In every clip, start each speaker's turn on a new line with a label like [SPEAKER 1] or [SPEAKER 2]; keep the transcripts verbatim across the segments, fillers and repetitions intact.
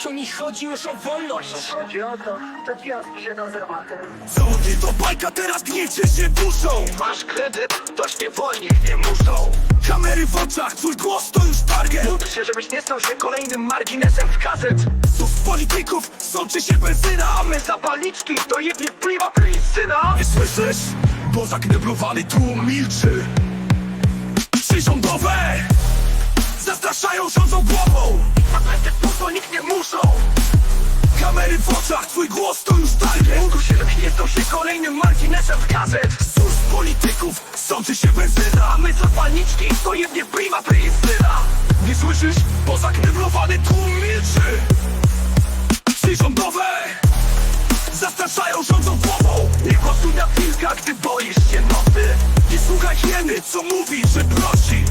[SPEAKER 1] tu nie chodzi już o wolność.
[SPEAKER 2] Chodzi o to, że gwiazd się do zamatem.
[SPEAKER 3] Co ty to bajka, teraz gniecie się duszą.
[SPEAKER 2] Masz kredyt, toż niewolnik nie muszą.
[SPEAKER 3] Kamery w oczach, twój głos to już target.
[SPEAKER 2] Módl się, żebyś nie stał się kolejnym marginesem w gazet.
[SPEAKER 3] Z polityków sączy się benzyna.
[SPEAKER 2] A my zapalniczki to jednie pliwa syna.
[SPEAKER 3] Nie słyszysz? Bo zakneblowany tłum milczy. Przyrządowe zastraszają, rządzą głową.
[SPEAKER 2] Patenty pusto nikt nie muszą.
[SPEAKER 3] Kamery w oczach, twój głos to już target.
[SPEAKER 2] Módl się, żebyś nie stał się kolejnym marginesem w gazet.
[SPEAKER 3] Z ust polityków sączy się benzyna.
[SPEAKER 2] A my zapalniczki to jednie pliwa syna.
[SPEAKER 3] Nie słyszysz? Bo zakneblowany tłum milczy. Przyrządowe zastraszają, rządzą głową.
[SPEAKER 2] Nie głosuj na wilka, gdy boisz się nocy.
[SPEAKER 3] Nie słuchaj hieny, co mówi, że prosi.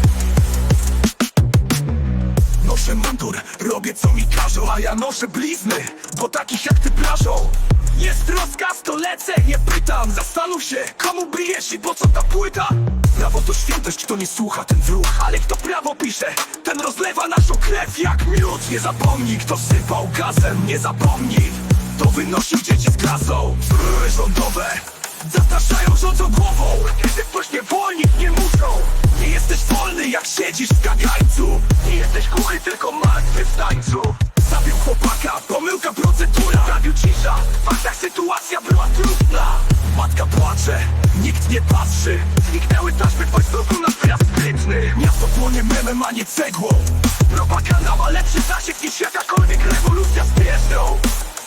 [SPEAKER 3] Noszę mundur, robię co mi każą. A ja noszę blizny, bo takich jak ty plażą. Jest rozkaz, to lecę, nie pytam. Zastanów się, komu bijesz i po co ta płyta. Prawo to świętość, kto nie słucha, ten wróg. Ale kto prawo pisze, ten rozlewa naszą krew jak miód. Nie zapomnij, kto sypał gazem, nie zapomnij. To wynosił dzieci z klasą. Zbroje rządowe zastraszają, rządzą głową.
[SPEAKER 2] Kiedy ktoś niewolnik nie muszą.
[SPEAKER 3] Nie jesteś wolny, jak siedzisz w kagańcu.
[SPEAKER 2] Nie jesteś głuchy, tylko martwy w tańcu.
[SPEAKER 3] Zabił chłopaka, pomyłka procedura.
[SPEAKER 2] Prawił cisza, w faktach sytuacja była trudna.
[SPEAKER 3] Matka płacze, nikt nie patrzy.
[SPEAKER 2] Zniknęły taśmy w Wojstoku na wjazd sprytny.
[SPEAKER 3] Miasto płonie memem, a nie cegłą.
[SPEAKER 2] Propaganda ma lepszy zasięg niż jakakolwiek rewolucja z pierzdą.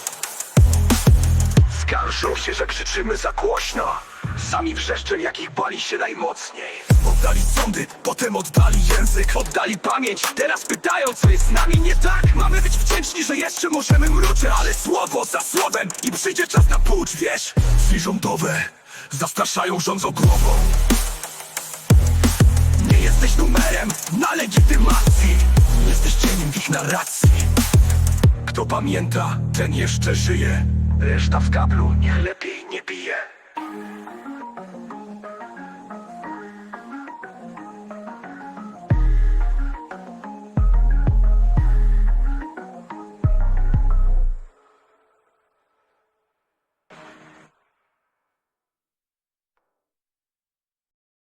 [SPEAKER 2] Skarżą się, że krzyczymy za głośno. Sami wrzeszczą, jakich bali się najmocniej.
[SPEAKER 3] Oddali sądy, potem oddali język.
[SPEAKER 2] Oddali pamięć, teraz pytają, co jest z nami nie tak.
[SPEAKER 3] Mamy być wdzięczni, że jeszcze możemy mruczyć. Ale słowo za słowem i przyjdzie czas na pucz, wiesz? Drzwi rządowe zastraszają, rządzą głową. Nie jesteś numerem na legitymacji. Jesteś cieniem w ich narracji. Kto pamięta, ten jeszcze żyje.
[SPEAKER 2] Reszta w kablu, niech lepiej nie bije.